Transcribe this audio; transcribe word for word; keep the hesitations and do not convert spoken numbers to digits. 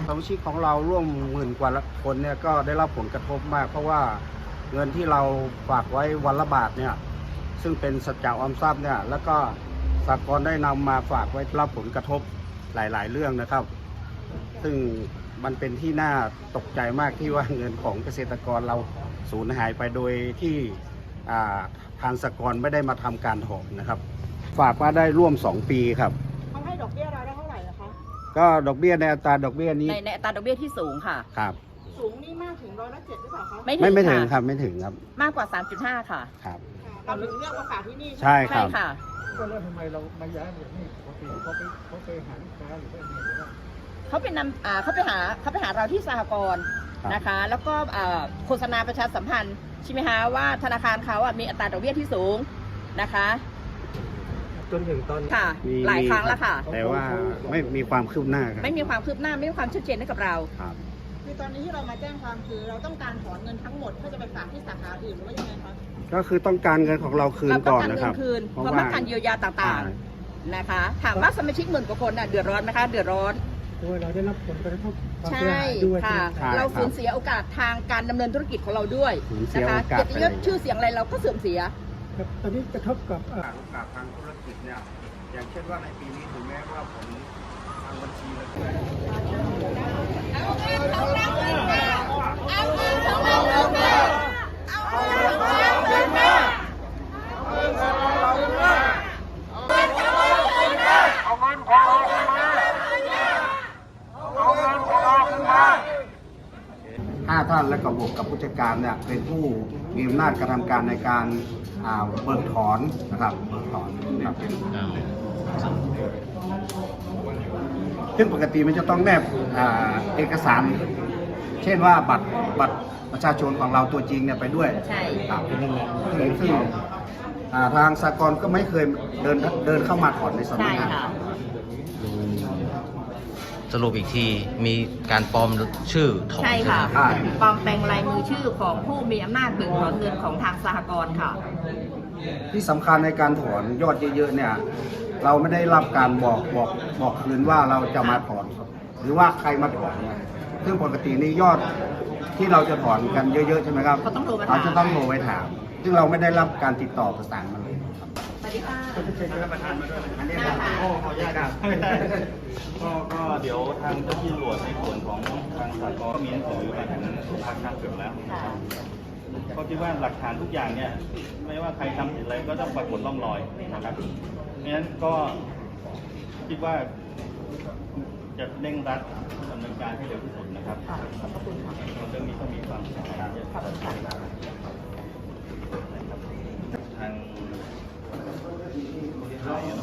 สมาชิกของเราร่วมหมื่นกว่าคนเนี่ยก็ได้รับผลกระทบมากเพราะว่าเงินที่เราฝากไว้วันละบาทเนี่ยซึ่งเป็นสัจจะออมทรัพย์เนี่ยแล้วก็สหกรณ์ได้นำมาฝากไว้รับผลกระทบหลายๆเรื่องนะครับ ซึ่งมันเป็นที่น่าตกใจมากที่ว่าเงินของเกษตรกรเราสูญหายไปโดยที่ทางสหกรณ์ไม่ได้มาทำการถอนนะครับฝากมาได้ร่วมสองปีครับเขาให้ดอกเบี้ยเราได้เท่าไหร่นะคะก็ดอกเบี้ยในอัตราดอกเบี้ยนี้ในในอัตราดอกเบี้ยที่สูงค่ะครับสูงนี่มากถึงร้อยละเจ็ดหรือเปล่าคะไม่ไม่ไม่ถึงค่ะครับไม่ถึงครับมากกว่า สามจุดห้า ค่ะครับเราถึงเลือกมาฝากที่นี่ใช่คใช่รับค่ะก็แล้วทำไมเรามาย้ายแบบนี้ปกติเขาไปเขาไปหาลูกค้าหรือว่าไงหรือว่าเขาเป็นนำอ่าเขาไปหาเขาไปหาเราที่สหกรณ์นะคะ แล้วก็อ่าโฆษณาประชาสัมพันธ์ใช่ไหมคะว่าธนาคารเขาอ่ะมีอัตราดอกเบี้ยที่สูงนะคะจนถึงตอนนี้ค่ะมีหลายครั้งแล้วค่ะแต่ว่าไม่มีความคืบหน้าครับไม่มีความคืบหน้าไม่มีความชัดเจนให้กับเราครับคือตอนนี้ที่เรามาแจ้งความคือเราต้องการถอนเงินทั้งหมดเพื่อจะไปฝากที่สาขาอื่นหรือว่ายังไงคะก็คือต้องการเงินของเราคืนเราต้อก่งอนการนะเงิครับนคืนเพเพราะราะว่าว่าการเยียวยาต่างๆนะคะ ถามว่าสมาชิกหมื่นกว่าคนน่ะเดือดร้อนไหมคะเดือดร้อนด้วยเราได้รับผลกระทบความเสียใช่หายด้วยค่ะใช่ไหมเราสูญเสียโอกาสทางการดำเนินธุรกิจของเราด้วยสูญเสีนะยคะโอกาสเกียรติยศชื่อเสียงอะไรเราก็เสื่อมเสียครับตอนนี้กระทบกับเอ่อโอกาสทางธุรกิจเนี่ยอย่างเช่นว่าในปีนี้ถึงแม้ว่าผมทางบัญชีเลยห้าท่านและกบวกกับผู้จัดการเนี่ยเป็นผู้มีอำนาจกระทำการในการอ่าเบิกถอนนะครับเบิกถอนนะครับซึ่งปกติมันจะต้องแนบอ่าเอกสาร เช่นว่าบัตรบัตรประชาชนของเราตัวจริงเนี่ยไปด้วยใช่ครับซึ่งซึ่งอ่าทางสหกรณ์ก็ไม่เคยเดินเดินเข้ามาถอนในสำนักงานใช่ค่ะสรุปอีกทีมีการปลอมชื่อถอนใช่ค่ะไหมใช่ปลอมแปลงลายมือชื่อของผู้มีอำนาจเบิกถอนเงินของทางสหกรณ์ค่ะที่สำคัญในการถอนยอดเยอะๆเนี่ยเราไม่ได้รับการบอกบอกบอกคืนว่าเราจะมาถอนครับหรือว่าใครมาถอนเนี่ยซึ่งปกตินี่ยอดที่เราจะถอนกันเยอะๆใช่ไหมครับเขาต้องโทรมาถามเราจะต้องโทรไปถาม ซึ่งเราไม่ได้รับการติดต่อประสานมาเลยครับสวัสดีค่ะอันนี้ครับโอ้ขออนุญาตครับก็ก็เดี๋ยวทางเจ้าที่ตำรวจในส่วนของทางสากลมีหนังสือมาถึงทางทางเกือบแล้วนะครับก็คิดว่าหลักฐานทุกอย่างเนี่ยไม่ว่าใครทำผิดอะไรก็ต้องปรากฏร่องรอยนะครับเพราะฉะนั้นก็คิดว่าจะเร่งรัดดำเนินการให้เร็วที่สุดนะครับขอบคุณค่ะเรื่องนี้ต้องมีความสำคัญเยอะครับทาง